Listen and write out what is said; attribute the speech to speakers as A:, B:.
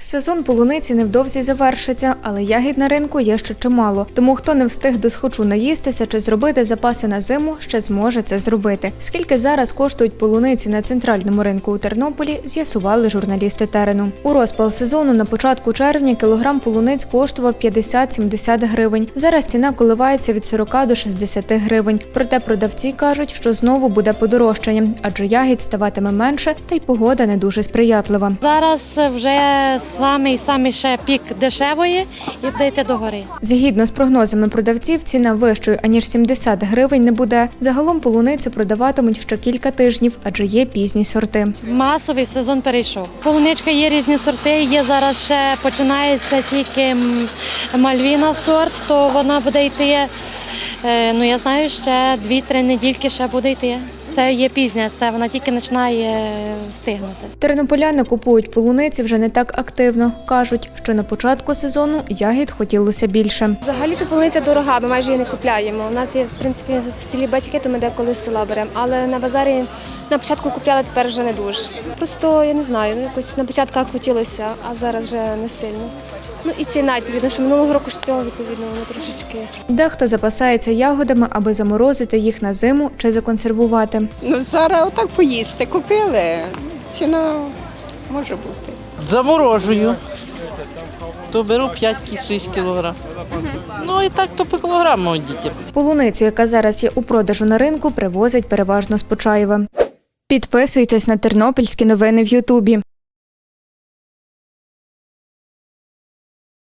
A: Сезон полуниці невдовзі завершиться, але ягід на ринку є ще чимало. Тому хто не встиг досхочу наїстися чи зробити запаси на зиму, ще зможе це зробити. Скільки зараз коштують полуниці на центральному ринку у Тернополі, з'ясували журналісти терену. У розпал сезону на початку червня кілограм полуниць коштував 50-70 гривень. Зараз ціна коливається від 40 до 60 гривень. Проте продавці кажуть, що знову буде подорожчання, адже ягід ставатиме менше, та й погода не дуже сприятлива.
B: Зараз вже самий ще пік дешевої і буде йти догори.
A: Згідно з прогнозами продавців, ціна вищою, аніж 70 гривень не буде. Загалом полуницю продаватимуть ще кілька тижнів, адже є пізні сорти.
B: Масовий сезон перейшов. Полуничка є різні сорти, є зараз ще починається тільки мальвіна сорт, то вона буде йти, я знаю, ще 2-3 недільки ще буде йти. Це є пізня, це вона тільки починає стигнути.
A: Тернополяни купують полуниці вже не так активно. Кажуть, що на початку сезону ягід хотілося більше.
C: Взагалі-то полуниця дорога, ми майже її не купляємо. У нас є, в принципі, в селі батьки, то ми деколи з села беремо. Але на базарі на початку купляли, тепер вже не дуже. Просто, я не знаю, якось на початках хотілося, а зараз вже не сильно. І ціна, відповідно, що минулого року ж цього, відповідно, воно трошечки.
A: Дехто запасається ягодами, аби заморозити їх на зиму чи законсервувати.
D: Зараз отак поїсти купили, ціна може бути.
E: Заморожую, то беру 5-6 кілограм. І так то по кілограму дітям.
A: Полуницю, яка зараз є у продажу на ринку, привозять переважно з Почаєва. Підписуйтесь на тернопільські новини в Ютубі.